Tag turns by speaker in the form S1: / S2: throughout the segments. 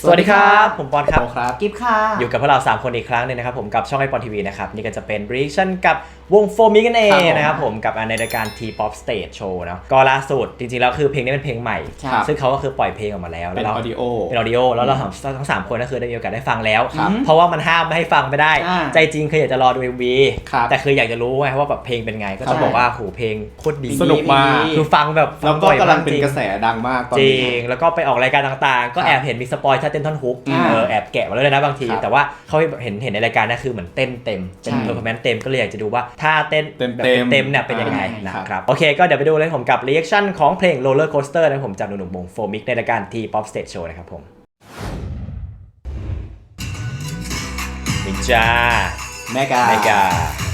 S1: สวัสดีครับผมปอนครับ
S2: กิฟค่ะ
S1: อยู่กับพวกเรา3คนอีกครั้งนึงนะครับผมกับช่องไอปอนทีวีนะครับนี่ก็จะเป็น reaction กับวงโฟมิกันเองนะครับผมกับในรายการ T-pop Stage Show เนาะก็ล่าสุดจริงๆแล้วคือเพลงนี้เป็นเพลงใหม่ซึ่งเขาก็คือปล่อยเพลงออกมาแล้ว
S2: เป็นออดิโอ
S1: แล้วเราทั้ง3คนก็คือได้มีโอกาสได้ฟังแล้วเพราะว่ามันห้ามไม่ให้ฟังไม่ได้ใจจริงคืออยากจะรอดู MV แต่คืออยากจะรู้ไงว่าแบบเพลงเป็นไงก็ต้องบอกว่าโหเพลงโคตรดี
S2: สนุกมาก
S1: คือฟังแบบ
S2: แล้วก็กำลังเป็นกระแสดังมากตอนนี้
S1: จริงแล้วก็ไปออกรายการต่างๆก็แอบเห็นมีสปอยล์ท่าเต้นท่อนฮุกแอบแกะมาเลยนะบางทีแต่ว่าเขาเห็นในรายการนะคือเหมือนเต้นเต็มเป็นเพอร์ฟอร์แมนซ์เต็มก็เลยอยากจะดูว่าท่าเต้นแบบเต็มเนี่ยเป็นยังไงนะครับโอเคก็เดี๋ยวไปดูเลยผมกับรีแอคชั่นของเพลง Roller Coaster นะผมจากหนุ่มๆวงโฟมิกในรายการ T-pop Stage Show นะครับผมนินจา
S2: เมกา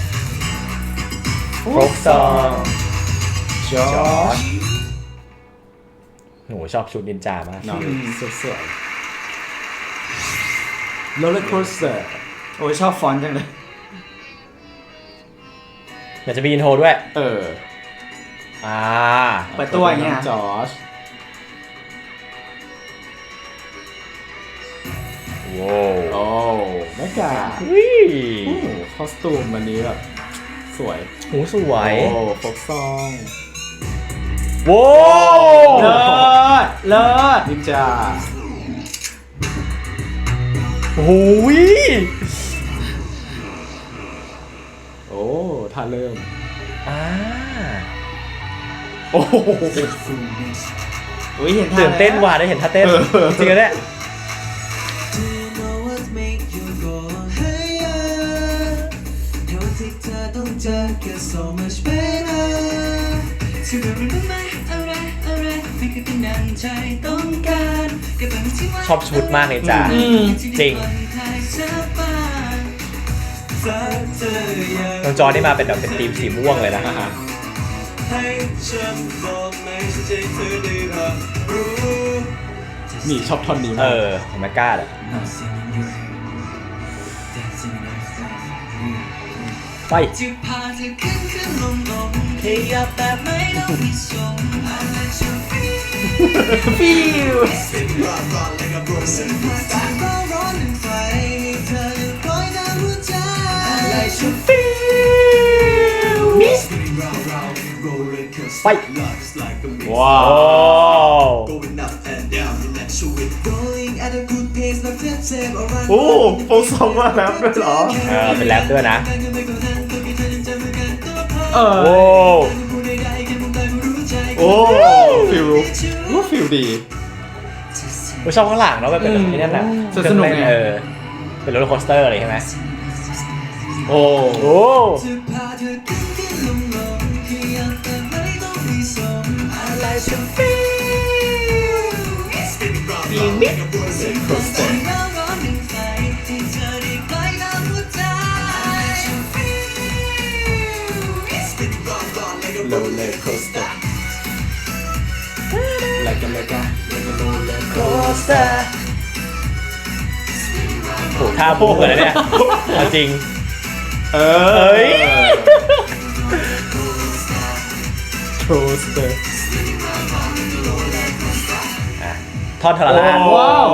S1: โฟกซอง
S2: จอร์จ
S1: หนูชอบชุดนินจามาก
S2: สวยRoller Coaster โอ้ยชอบฟอนต์จังเลย
S1: อยากจะมีอินโทรด้วย
S2: เปิดตัวอย่างเงี้ยจอร์จโอ้เมกาคอสตูมวันนี้แบบสวย
S1: หูสวย
S2: โอ้ฟกซอง
S1: โว้
S2: เลิศนินจา
S1: โอ้ย
S2: โอ้ท่าเริ่ม
S1: โอ้โห
S2: เห็น
S1: ตื่นเต้นว่ะได้เห็นท่าเต้นจริงๆเนี่ยชอบชุดมากเลยจ้าจริงน้องจอนี่มาเป็นแบบเป็นทีมสีม่วงเลยนะ
S2: นี่ชอบท่อนนี้มาก
S1: ของแมกกาเลยไป
S2: ฟิว
S1: ไปว้าว
S2: โอ้โฟกซองมาแรปด้วยเหรอ
S1: เป็นแรปด้วยนะ
S2: โอ้ฟิลดี
S1: ชอบข้างหลังเนาะแบบเป็นแบบนี้นั่นแหละ
S2: สนุกไง
S1: เป็นโรลเลอร์โคสเตอร์อะไรใช่ไหม
S2: โอ้
S1: ปีมิด
S2: โรลเลอร์โคสเตอร์like a roller
S1: coaster โหท่าโบกเลยเนี่ยจริง
S2: โคสเตอร์
S1: ทอดทรมาน
S2: ว้าว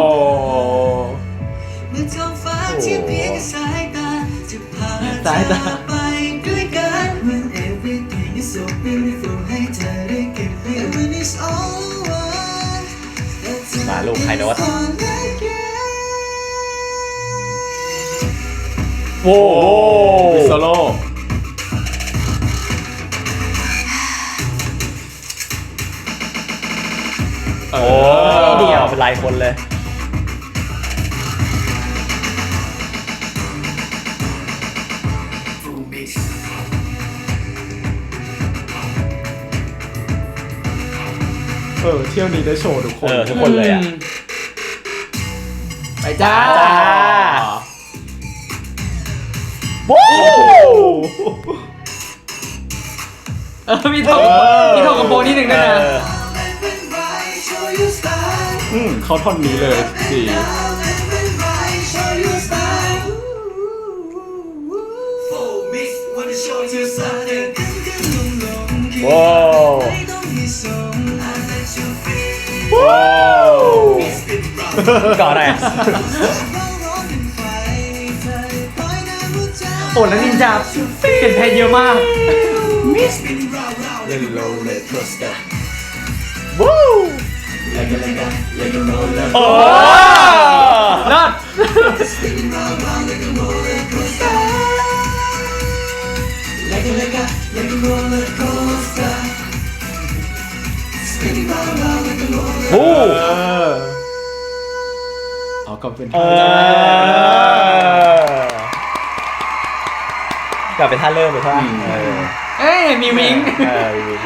S2: สายตา
S1: มาลูกไฮโน้ตโว้
S2: โซโล่
S1: เดี่ยวเป็นลายคนเลย
S2: เที่ยวนี้ได้โชว์ทุก
S1: คนเลยอ่ะ
S2: ไปจ้า
S1: โว้
S2: มีทองกับโบนิดนึงด้วยนะเขาท่อนนี้เลยดี
S1: ว้าวก่อนหน่อย
S3: โอ้แล้วนินจาเปลี่ยนเพลงเยอะมาก
S2: เล่นโรลเลอร์โคสเตอร์
S1: วู้โอ้
S3: เลิศ
S1: วู้
S2: เอาก็เป็น
S1: กลับเป็นท่าเริ่มเลยใช่ไหม
S3: เอ้ยมีวิง
S1: มีวิง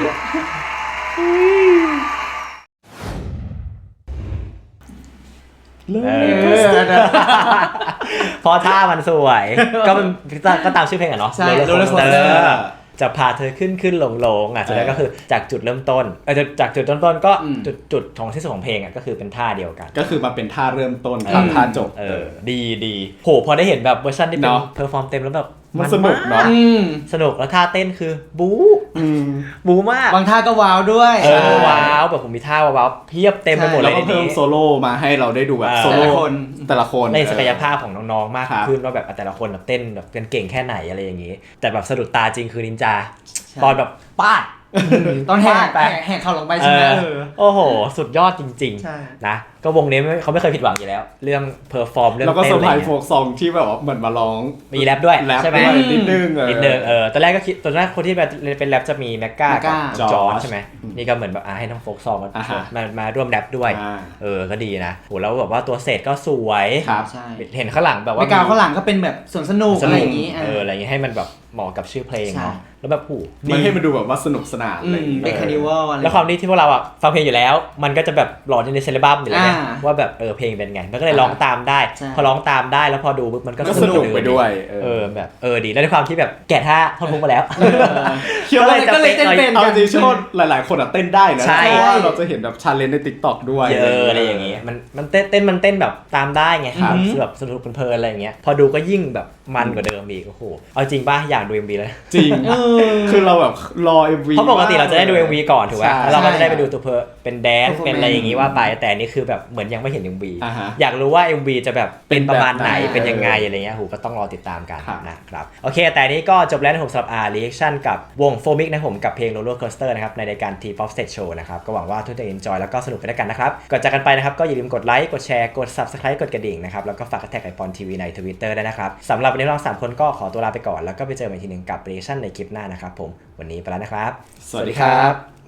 S1: เพราะท่ามันสวย ก็ตามชื่อเพลงอะเนาะ
S3: ใช่
S1: Roller
S3: Roller
S1: Coaster
S3: Coaster
S1: จะพาเธอขึ้นลงอ่ะสุดท้ายก็คือจากจุดเริ่มต้นจากจุดต้นก็จุดของที่สุดของเพลงอ่ะก็คือเป็นท่าเดียวกัน
S2: ก็คือมาเป็นท่าเริ่มต้นครับท่าจบ
S1: ดีโหพอได้เห็นแบบเวอร์ชันที่เป็น
S2: เนาะ
S1: เพอร์ฟอร์มเต็มแล้วแบบ
S2: มันสนุกเนาะ
S1: สนุกแล้วท่าเต้นคือบู๊มาก
S3: บางท่าก็ว้าวด้วย
S1: ว้าวแบบผมมีท่าว้าวเพียบเต็มไปหมดเล
S2: แล้
S1: ยว
S2: ก็
S1: ใน
S2: เพิ่ม
S1: นี้
S2: โซโล่มาให้เราได้ดูแบบโซ
S3: แต่
S2: โล่
S3: ละคน
S2: แต่ละคน
S1: ในศักยภาพของน้องๆมาก
S2: ครับ
S1: ขึ้นว่าแบบแต่ละคนแบบเต้นแบบกันเก่งแค่ไหนอะไรอย่างงี้ แต่แบบสะดุดตาจริงคือนินจา
S3: ใช่
S1: ตอนแบบปาด
S3: ตอนแหก
S1: ไป
S3: แหกเข่าลงไปใช่ไหม
S1: โอ้โห สุดยอดจริง
S3: ใช่
S1: ๆนะก็วงนี้เขาไม่เคยผิดหวังอยู่แล้ว เรื่องเพอร์ฟอร์มเรื่อง
S2: แล้วก็
S1: เต้
S2: เซอน ร์
S1: อะ
S2: ไพ
S1: ไร
S2: รส์
S1: เงี้
S2: โฟ
S1: ย
S2: กซองที่แบบว่าเหมือนมาร้อง
S1: มีแรปด้วย
S2: แรป
S1: ใช่ไหม
S2: ด้วยนิดนึง
S1: นิดนึงตอนแรกก็คิดตอนแรกคนที่เป็นแรปจะมีแมกกากับจอร์จใช่ไหมนี่ก็เหมือนแบบให้น้องโฟกซองมาร่วมแรปด้วยก็ดีนะโหแล้วแบบว่าตัวเศษก็สวย
S2: ครับ
S3: ใช่
S1: เห็นข้างหลังแบบว่า
S3: ไม่กาวข้างหลังก็เป็นแบบสวนสนุกอะไรอย่างนี้
S1: อะไรอย่างงี้ให้มันแบบเหมาะกับชื่อเพลงเนาะแล้วแบบโห
S2: มันให้มันดูแบบว่าสนุกสนานอะไรอย่างเงี้ย
S3: เป็นคาร์นิวัลอะไร
S1: แล้วความที่พวกเราอ่ะฟังเพลงอยู่แล้ว มันก็จะแบบหลอนในเซเลบัมอยู่แล้วไง
S3: อ่า
S1: ว่าแบบเพลงเป็นไงมันก็เลยร้องตามได้
S3: ใช่
S1: พอร้องตามได้แล้วพอดูปุ๊บมันก็
S2: ก็สนุกไปด้วย
S1: แบบดีแล้วในความที่แบบแกะท่าท่อนฮุกมาแล้ว
S2: เชื่อว่า
S3: ก็เลยเต้นเป็น
S2: เอาจริงเชื่อว่าหลายๆ คนอะเต้นได้นะ
S1: ใช่
S2: เพราะว่าเราจะเห็นแบบชาเลนจ์ใน TikTok ด้วย
S1: เยอะอะไรอย่างงี้มันเต้นแบบตามได้ไง
S2: ครับ
S1: แบบสนุกเพลินๆอะไรอย่างเงี้ยพอดูก็ยิ่งแบบมันกว่าเดิมอีกโอ้โหเอาจริงป่ะอยากดู MV แล้ว
S2: จริง คือเราแบบรอ MV
S1: เพราะปกติเราจะได้ดู MV ก่อนถูกไหม
S2: ใช่
S1: แล้วเราก็จะได้ไปดูตัวเป็นแดนซ์
S3: Performance
S1: เป็นอะไรอย่างงี้ว่าไปแต่อันนี่คือแบบเหมือนยังไม่เห็น MV
S2: อ่าฮะ
S1: อยากรู้ว่า MV จะแบบเป็นประมาณไหน
S2: เป็นแบบไหน
S1: เป็นยังไงอะไรเงี้ยก็ต้องรอติดตามกัน
S2: ครับ
S1: นะครับโอเคแต่นี้ก็จบแล้วนะผมสำหรับreaction กับวงโฟมิกนะผมกับเพลง Roller Coaster นะครับในรายการ T-pop Stage Show นะครับก็หวังว่าทุกท่านจะ enjoy แล้วก็สนุกไปด้วยกันนะครับก่อนจากกันไปนะครับก็อย่าลืมกดไลค์กดแชร์กด subscribe กดกระดิ่งนะครับแล้วก็ฝากแท็กไอปอนทีวีใน Twitter ด้วยนะครับสำหรับวันนี้เราสามคนก็ขอตัวลาไปก่อนแล้วก็ไปเจอกันอีกทีหนึงกับ reaction ในคลิปหน้านะครับผมวันนี้ไปแล้วนะครับ
S2: สวัสดีครับ